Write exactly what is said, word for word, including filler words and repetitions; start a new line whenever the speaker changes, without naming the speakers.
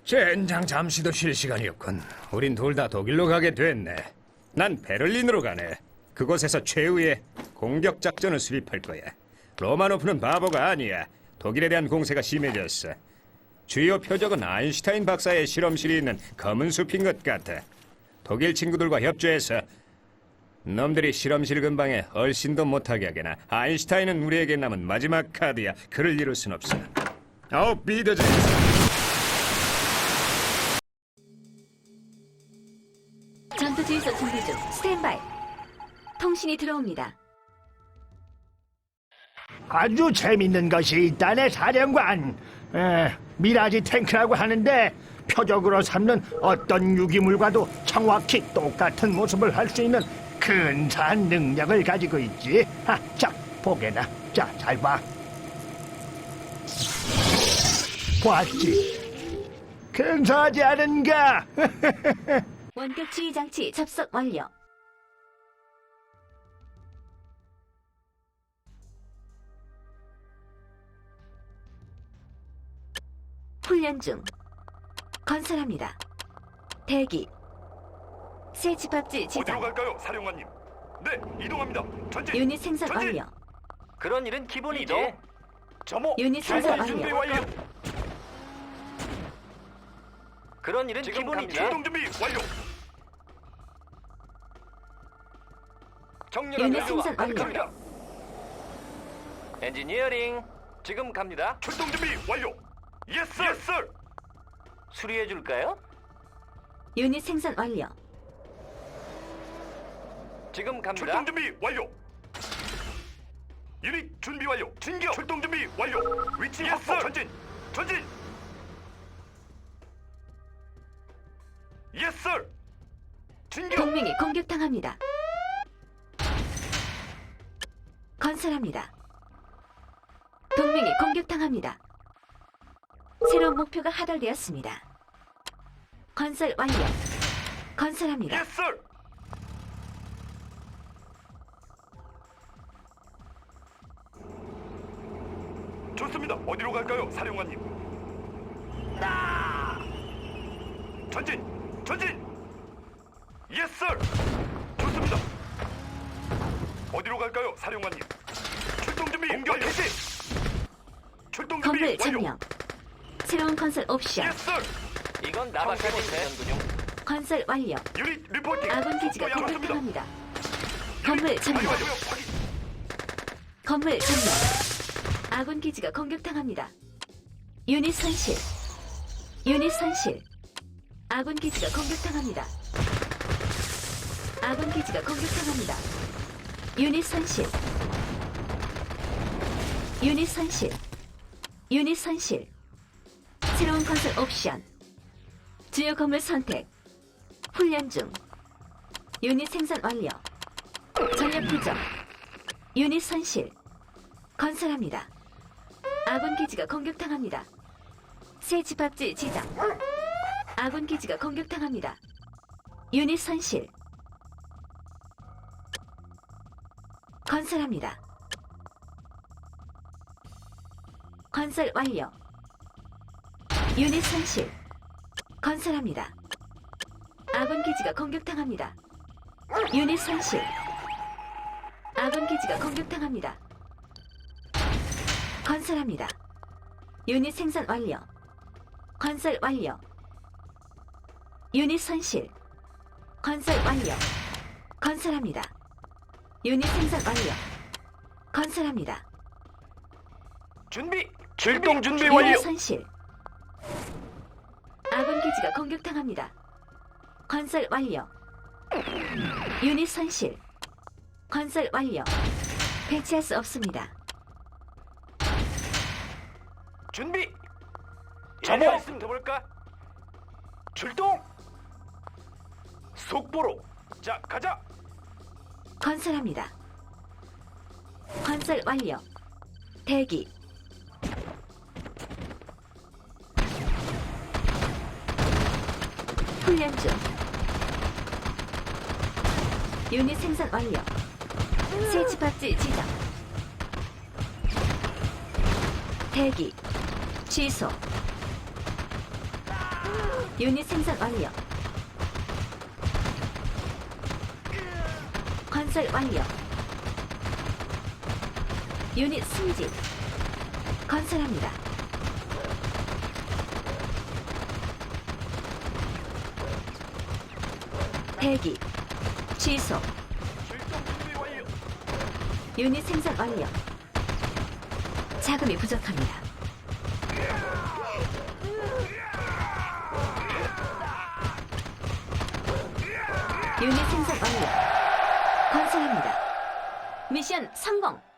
젠장 잠시도 쉴 시간이 없군. 우린 둘 다 독일로 가게 됐네. 난 베를린으로 가네. 그곳에서 최후의 공격 작전을 수립할 거야. 로마노프는 바보가 아니야. 독일에 대한 공세가 심해졌어. 주요 표적은 아인슈타인 박사의 실험실이 있는 검은 숲인 것 같아. 독일 친구들과 협조해서 놈들이 실험실 근방에 얼씬도 못하게 하게나. 아인슈타인은 우리에게 남은 마지막 카드야. 그를 이룰 순 없어. 아우, 비더즈.
전투 주의소 준비 중. 스탠바이. 통신이 들어옵니다.
아주 재밌는 것이 있다네, 사령관. 에, 미라지 탱크라고 하는데 표적으로 삼는 어떤 유기물과도 정확히 똑같은 모습을 할 수 있는 근사한 능력을 가지고 있지. 아, 자, 보게나. 자, 잘 봐. 봤지? 근사하지 않은가?
원격 지휘 장치 접속 완료. 훈련 중. 건설합니다. 대기. 새 집합지
어디로
지정.
갈까요, 사령관님? 네, 이동합니다. 전진.
유닛 생산
전진!
완료.
그런 일은 기본이지.
이동. 점호.
유닛 생산
출동 준비
완료.
완료.
그런 일은
지금
기본이지.
출동 준비 완료.
정렬한
유닛
완료가
생산 완료.
가득합니다. 엔지니어링 지금 갑니다.
출동 준비 완료. 예스, 예스.
수리해 줄까요?
유닛 생산 완료.
지금 갑니다.
출동 준비 완료. 유닛 준비 완료. 진격. 출동 준비 완료. 위치 확보. 전진. 전진. 예스. 진격.
동맹이 공격당합니다. 건설합니다. 동맹이 공격당합니다. 새로운 목표가 하달되었습니다. 건설 완료. 건설합니다.
예스. 좋습니다. 어디로 갈까요, 사령관님? 전진! 전진! 예스! 좋습니다. 어디로 갈까요, 사령관님? 출동 준비 공격 개시! 출동 준비
건물
완료!
점령. 새로운 건설 옵션.
예스!
이건 나밖에 못해.
건설 완료.
유닛 리포팅!
아군 기지가
속도 양호합니다.
공격당합니다. 건물
유닛
점령.
완료, 완료, 확인.
건물 점령. 아군 기지가 공격당합니다. 유닛 손실. 유닛 손실. 아군 기지가 공격당합니다. 아군 기지가 공격당합니다. 유닛 손실. 유닛 손실. 유닛 손실. 새로운 건설 옵션. 주요 건물 선택. 훈련 중. 유닛 생산 완료. 전력 부족. 유닛 손실. 건설합니다. 아군 기지가 공격당합니다. 새 집합지 지정. 아군 기지가 공격당합니다. 유닛 손실. 건설합니다. 건설 완료. 유닛 손실. 건설합니다. 아군 기지가 공격당합니다. 유닛 손실. 아군 기지가 공격당합니다. 건설합니다. 유닛 생산 완료. 건설 완료. 유닛 손실. 건설 완료. 건설합니다. 유닛 생산 완료. 건설합니다.
준비. 출동 준비
유닛
완료.
손실. 아군 기지가 공격당합니다. 건설 완료. 유닛 손실. 건설 완료. 배치할 수 없습니다.
준비.
점호!
점호. 있으면 더 볼까?
출동! 속보로! 자, 가자!
건설합니다. 건설 완료. 대기. 훈련 중. 유닛 생산 완료. 새 집합지 지정. 대기. 취소. 유닛 생산 완료. 건설 완료. 유닛 승진. 건설합니다. 대기. 취소.
출동 준비 완료.
유닛 생산 완료. 자금이 부족합니다. 유닛 생산 완료. 건설합니다. 미션 성공.